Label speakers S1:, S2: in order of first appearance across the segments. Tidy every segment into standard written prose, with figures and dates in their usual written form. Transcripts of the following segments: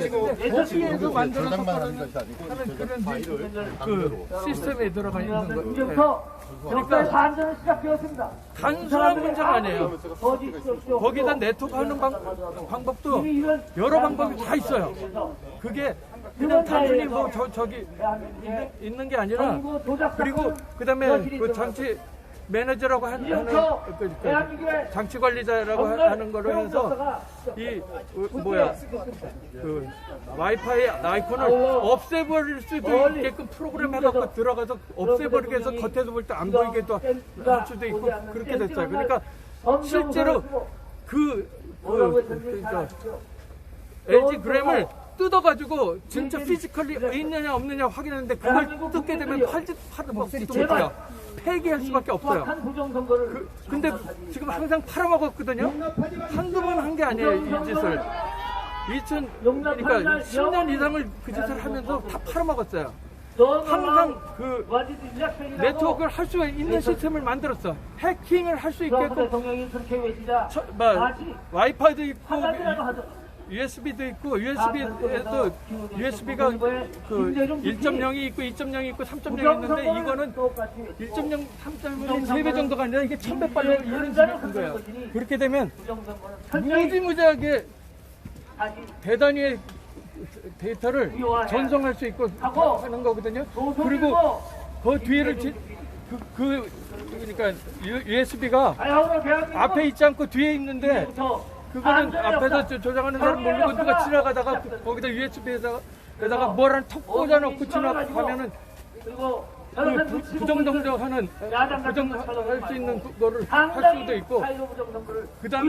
S1: 거기에서 만들어서 하는 그런 시스템에 들어가 있는 거예요. 그러니까
S2: 반전을 시작되었습니다.
S1: 단순한 문제가 아니에요. 거기다 네트워크하는 방법도 여러 방법이 다 있어요. 그게 그냥 단순히 뭐 저기 있는 게 아니라, 그리고 그다음에 그 장치 매니저라고 하는 그 장치 관리자라고 하는 거로 해서 이 그 와이파이 아이콘을 없애버릴 수도 있게끔 프로그램 해갖고 들어가서 없애버리게 해서 겉에서 볼 때 안 보이게 또 할 수도 있고 그렇게 됐어요. 그러니까 실제로 그러니까 LG 그램을 뜯어가지고 진짜 피지컬이 있느냐 없느냐 확인하는데 그걸 뜯게 되면 팔지도 못해요. 폐기할 수밖에 없어요. 근데 지금 항상 팔아먹었거든요. 한두 번 한 게 아니에요, 이 짓을. 그러니까 10년 이상을 그 짓을 하면서 다 팔아먹었어요. 항상 그 네트워크를 할 수 있는 시스템을 만들었어. 해킹을 할 수 있게끔 와이파이도 있고 USB도 있고, USB에도 USB가 그 1.0이 있고 2.0이 있고 3.0이 있는데 이거는 1.0, 3.0이 3배 정도가 아니라 이게 1000배빨로 이런 식으로 큰 거예요. 그렇게 되면 무지무지하게 대단위의 데이터를 전송할 수 있고 하는 거거든요. 그리고 그 뒤를 그러니까 USB가 앞에 있지 않고 뒤에 있는데 그거는 앞에서 조작하는 사람 모르고 누가 지나가다가 거기다 USB에다가 뭐라는 턱 꽂아놓고 지나가면은 그 부정동정하는 부정할 수 있는 거를 할 수도 있고, 그 다음에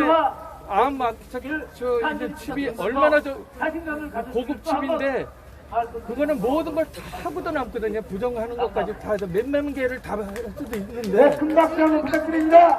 S1: 이제 칩이 얼마나 고급 칩인데 그거는 모든 걸 다 하고도 남거든요. 부정하는 것까지 다 해서 몇몇 개를 다 할 수도 있는데.
S2: 큰 박수 한번 부탁드립니다.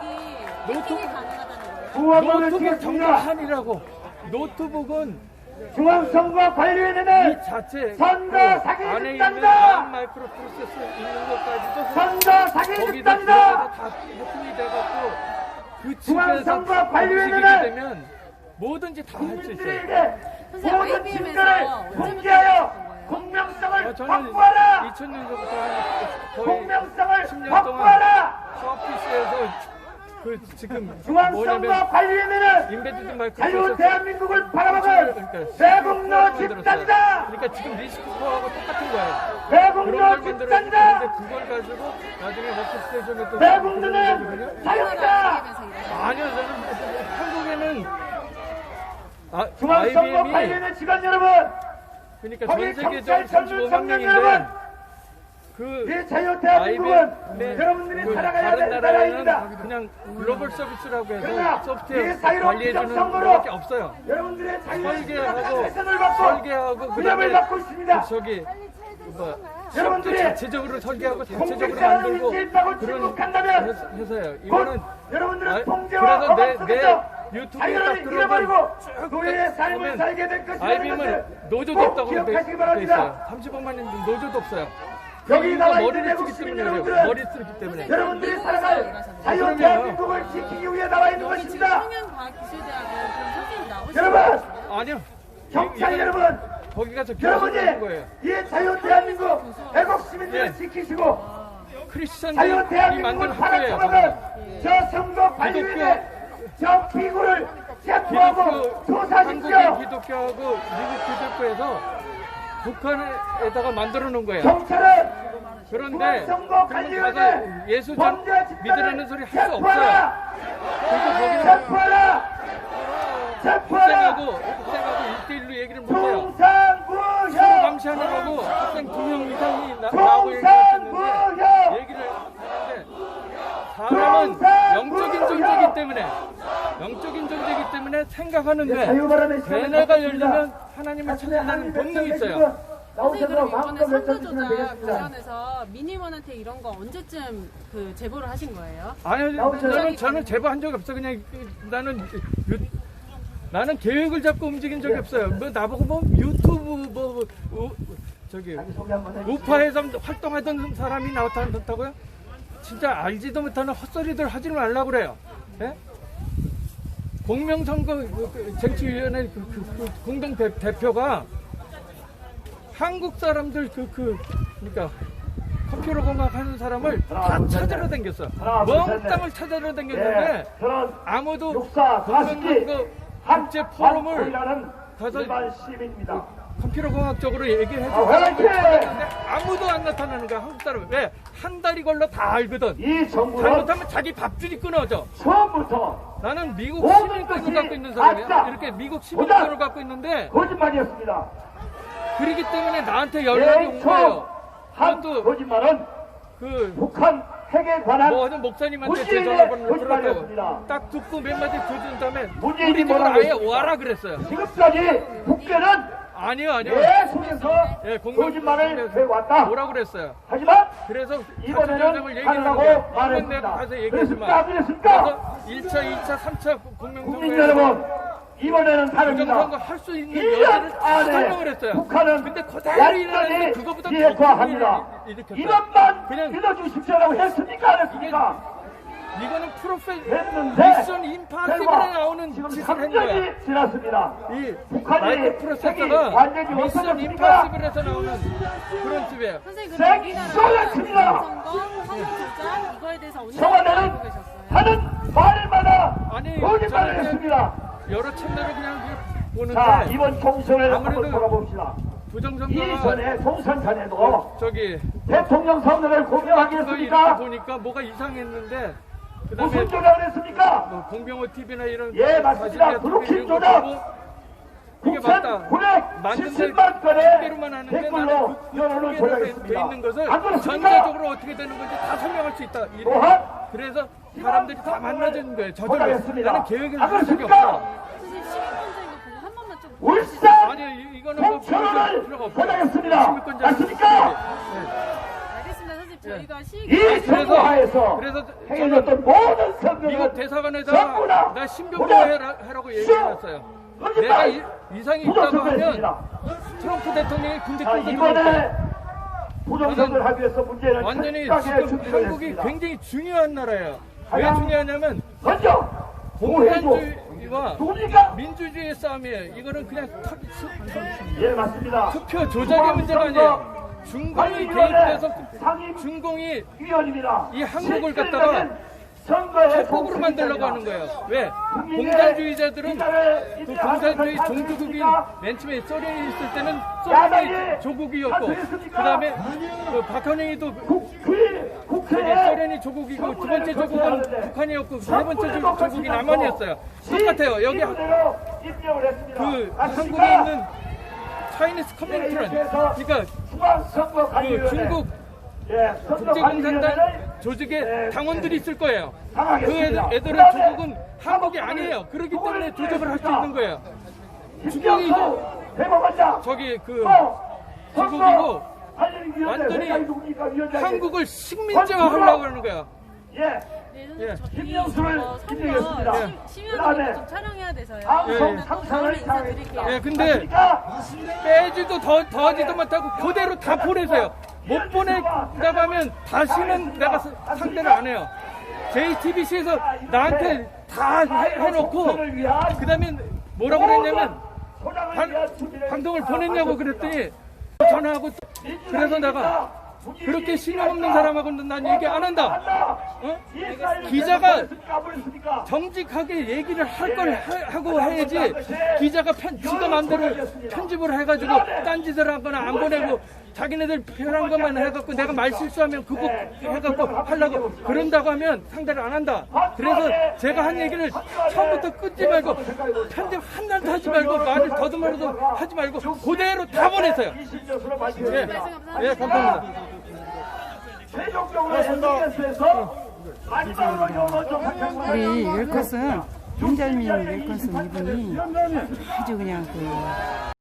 S1: 노트북 정말한이라고. 노트북은
S2: 중앙선거관리위원회는
S1: 이 자체
S2: 선거 사기
S1: 안에 있는
S2: 집단이다.
S1: 마이크로 프로세서 있는 것까지도
S2: 선거 사기
S1: 거기다
S2: 집단이다.
S1: 다 해킹이 돼갖고 그 칩에서
S2: 중앙선거관리위원회는
S1: 되면 뭐든지 다 할 수 있어요.
S2: 모든 증거를 공개하여 공명성을
S1: 저는
S2: 확보하라.
S1: 2000년부터 거의
S2: 공명성을
S1: 10년 동안
S2: 확보하라.
S1: 서피스에서 그 지금
S2: 중앙선거관리위원회는
S1: 인베디드 마이크로
S2: 자유 대한민국을 바라보는 대북로 집단이다.
S1: 그러니까 지금 리스크하고 똑같은 거예요.
S2: 대북로 집단이다.
S1: 그런데 그걸 가지고 나중에 워크스테이션에 또
S2: 대북로는 자유다.
S1: 아니요, 저는 한국에는
S2: 중앙선거관리위원회 직원 여러분,
S1: 그러니까
S2: 거기
S1: 전 세계
S2: 경찰 젊은 청년 여러분, 이 자유대한민국은 여러분들이 살아가야 될 나라입니다.
S1: 그냥 글로벌 서비스라고 해서
S2: 그러나
S1: 소프트웨어
S2: 이 사이로
S1: 관리해주는
S2: 비정선거로
S1: 것밖에 없어요.
S2: 여러분들의
S1: 설계하고
S2: 자유를 받고
S1: 그다음에
S2: 받고 있습니다.
S1: 저기
S2: 여러분들이
S1: 자체적으로 설계하고 자체적으로
S2: 공직자라는
S1: 만들고
S2: 인지있다고
S1: 그런
S2: 침묵한다면
S1: 해서요. 이거는
S2: 여러분들은 통제와
S1: 그래서
S2: 억압 속에서
S1: 유튜브에
S2: 자유를
S1: 딱
S2: 잃어버리고
S1: 들어가면
S2: 노예의 삶을 살게 될 것이라는
S1: IBM은
S2: 것을
S1: 노조도
S2: 꼭
S1: 없다고 돼
S2: 기억하시기
S1: 있어요.
S2: 바랍니다.
S1: 30억만 있는데 노조도 없어요.
S2: 여기
S1: 이유가
S2: 나와 있는
S1: 머리를
S2: 외국
S1: 쓰기
S2: 시민
S1: 때문에
S2: 여러분들은
S1: 머리 쓰기 때문에.
S2: 여러분들이 살아갈 자유 대한민국을 지키기 위해 나와 있는 것입니다.
S3: 청년과학기술대학은 그런 선생님이 나오시죠?
S2: 여러분,
S1: 아니요.
S2: 경찰 여러분,
S1: 거기 가서
S2: 여러분이
S1: 교수하는 거예요.
S2: 이 자유 대한민국 애국 시민들을 지키시고
S1: 크리스천들이
S2: 자유
S1: 만든
S2: 대한민국을
S1: 학교예요.
S2: 팔아쳐먹은 저 선거 관리위원회 저 피구를 체포하고 조사하십시오.
S1: 한국의 기독교하고 미국 기독교에서 북한에다가 만들어 놓은 거예요.
S2: 경찰은
S1: 그런데
S2: 중앙선거
S1: 그러면
S2: 관리위원회
S1: 가서 예수
S2: 범죄 집단을
S1: 믿으라는 소리 할 수 없어요.
S2: 체포하라.
S1: 그리고 거기는
S2: 체포하라. 체포하라.
S1: 학생하고 1대1로 얘기를 못해요.
S2: 통상부형.
S1: 감시하느라고 학생 2명 이상이 나오고
S2: 통상부형.
S1: 얘기를 하는데 사람은 영적인 존재이기 때문에 생각하는데 대뇌가 열리면 하나님을 찾는다는 본능이 있어요.
S3: 선생님, 그럼 이번에 선거 조작 관련해서 민의원한테 이런 거 언제쯤 그 제보를 하신 거예요?
S1: 아니요, 저는 제보한 적이 없어. 그냥 나는 계획을 잡고 움직인 적이 없어요. 뭐 나보고 뭐 유튜브 저기 우파에서 활동하던 사람이 나타났다고요? 진짜 알지도 못하는 헛소리들 하지 말라고 그래요. 예? 공명선거 정치위원회 공동 대표가 한국 사람들 그러니까 컴퓨터 공학 하는 사람을 다 찾으러 다녔어. 멍땅을 찾으러 다녔는데 아무도 공명연구 국제 포럼을 가서 컴퓨터 공학적으로 얘기해서 찾았는데 아무도 안 나타나는 거야. 한국 사람. 왜? 한 달이 걸러 다 알거든. 잘못하면 자기 밥줄이 끊어져.
S2: 처음부터
S1: 나는 미국 시민권을 갖고 있는 사람이야. 이렇게 미국 시민권을 갖고 있는데
S2: 거짓말이었습니다.
S1: 그러기 때문에 나한테 연락이 온 거예요.
S2: 한
S1: 그것도
S2: 거짓말은 북한 핵에 관한
S1: 뭐 하는 목사님한테 제
S2: 문재인의
S1: 전화번호를
S2: 거짓말이었습니다.
S1: 들었다고 딱 듣고 몇 마디 들은 다음에
S2: 문재인이
S1: 우리 집으로
S2: 뭐라고
S1: 아예
S2: 했습니까?
S1: 와라 그랬어요.
S2: 지금까지 국회는
S1: 아니요.
S2: 내 속에서
S1: 예,
S2: 거짓말을 해왔다.
S1: 뭐라 그랬어요.
S2: 하지만
S1: 그래서
S2: 이번에는
S1: 얘기를
S2: 하라고
S1: 하는데 내가
S2: 말했습니다.
S1: 가서
S2: 그랬습니까?
S1: 얘기했지만
S2: 안 그랬습니까?
S1: 그래서 1차, 2차, 3차
S2: 국민
S1: 공명선거에
S2: 여러분, 이번에는 다릅니다.
S1: 부정선거 할 수 있는
S2: 1년
S1: 여지를 다
S2: 안에
S1: 설명을 했어요.
S2: 북한은
S1: 근데 그대로 일어났는데
S2: 완전히
S1: 그거보다
S2: 비핵화합니다.
S1: 일으켰어요.
S2: 이것만
S1: 그냥
S2: 믿어주십시오라고 했습니까? 안 했습니까?
S1: 이거는
S2: 했는데
S1: 미션 임파서블에
S2: 결과
S1: 나오는
S2: 지금
S1: 짓을 한
S2: 3년이
S1: 거야.
S2: 지났습니다.
S1: 이
S2: 북한이
S1: 마이크 프로세서가
S2: 완전히
S1: 미션
S2: 없어졌습니까?
S1: 임파서블에서 나오는 그런 집이에요.
S3: 선생님
S2: 생-
S3: 그럼
S2: 쏟아집니다.
S3: 우리나라 선거, 조작 이거에 대해서 언제
S2: 청와대는
S3: 알고 계셨어요?
S2: 하는 말마다
S1: 아니,
S2: 거짓말을
S1: 저는
S2: 했습니다.
S1: 여러 채널을 그냥 보는데
S2: 자, 이번 총선을
S1: 아무래도
S2: 한번 돌아봅시다.
S1: 부정선거가
S2: 이전에 총선 전에도
S1: 저기
S2: 대통령 선거를 공개하게
S1: 이렇게
S2: 했습니까?
S1: 보니까 뭐가 이상했는데 그다음에
S2: 무슨 조작을 했습니까?
S1: 뭐 공병호 TV나 이런
S2: 예, 맞습니다.
S1: 자신의
S2: 브루킹
S1: 이런 거
S2: 조작.
S1: 보고 이게 맞다.
S2: 9,970만
S1: 소개로만
S2: 건의
S1: 하는데
S2: 댓글로
S1: 나는
S2: 여론을
S1: 돼
S2: 조작했습니다.
S1: 있는 것을
S2: 안 그렇습니까?
S1: 전체적으로 어떻게 되는 건지 다 설명할 수 있다.
S2: 또한
S1: 그래서 사람들이 다 만나주는 거예요. 저절로.
S2: 조작했습니다.
S1: 나는 계획을
S2: 안
S1: 한 적이
S2: 그렇습니까?
S1: 없어.
S3: 선생님 시민권자인 거 보고 한 번만 좀
S2: 울산
S1: 아니 이거는 뭐
S2: 공천을
S1: 필요가 없어요.
S2: 조작했습니다.
S1: 시민권자
S2: 맞습니까?
S3: 알겠습니다. 선생님 저희가
S2: 이 선거하에서
S1: 그래서
S2: 행해졌던 모든
S1: 미국
S2: 선거는
S1: 대사관에서
S2: 전부 다
S1: 나 신병 보호하라고 얘기해놨어요. 내가 이상이 있다고 하면 트럼프 대통령이 군대
S2: 자,
S1: 끌고
S2: 이번에
S1: 들어올
S2: 부정선거를 하기 위해서 문제는
S1: 완전히
S2: 철저하게
S1: 지금
S2: 준비를
S1: 한국이
S2: 했습니다.
S1: 굉장히 중요한 나라예요. 왜
S2: 가장
S1: 중요하냐면
S2: 먼저 공무해줘
S1: 공산주의와
S2: 누굽니까?
S1: 민주주의의 싸움이에요. 이거는 그냥
S2: 예, 맞습니다.
S1: 투표 조작의 문제가 아니에요. 중공이 개입돼서 중공이
S2: 위원입니다.
S1: 이 한국을 갖다가
S2: 선거에
S1: 협곡으로 만들려고 하는 거예요. 왜? 공산주의자들은 그 공산주의 종주국인 맨 처음에 소련이 있을 때는 소련이 조국이었고 그 다음에 그 박헌영이도 소련이 조국이고 두 번째 조국은 북한이었고 세 번째 조국이 남한이었어요. 똑같아요. 여기 그 한국에 있는 차이니스 커뮤니티는 그러니까 그 중국 국제공산당 조직의 당원들이 있을 거예요. 그 애들은 조국은 한국이 아니에요. 그렇기 때문에 조작을 할 수 있는 거예요. 중국이 저기 그 중국이고 완전히 한국을 식민지화 하려고 하는 거야.
S2: 예.
S3: 네,
S2: 김명수를 임명했습니다.
S3: 심의하는 좀 촬영해야 돼서요.
S2: 방송
S3: 또
S2: 상상을
S3: 다음에 인사드릴게요.
S1: 예, 근데 빼지도 더하지도 못하고 그대로 다 보내세요. 못 보낸다고 하면 다시는 내가 상대를 안 해요. JTBC에서 나한테 다 해놓고 그 다음에 뭐라고 그랬냐면 방송을 보냈냐고 그랬더니 전화하고 그래서 내가 그렇게 신용 없는 사람하고는 난 얘기 안 한다. 어? 기자가 정직하게 얘기를 할 걸 하고 해야지 기자가 지가 마음대로 편집을 해가지고 딴짓을 하거나 안 보내고 자기네들 편한 것만 해갖고 내가 말 실수하면 그거 해갖고 하려고 그런다고 하면 상대를 안 한다. 그래서 제가 한 얘기를 처음부터 끊지 말고 편집 한날도 하지 말고 말을 더듬어도 하지 말고 그대로 다 보내세요. 예, 예, 감사합니다.
S4: 우리 웰컷은 윤절민 웰컷은 이분이 아주 그냥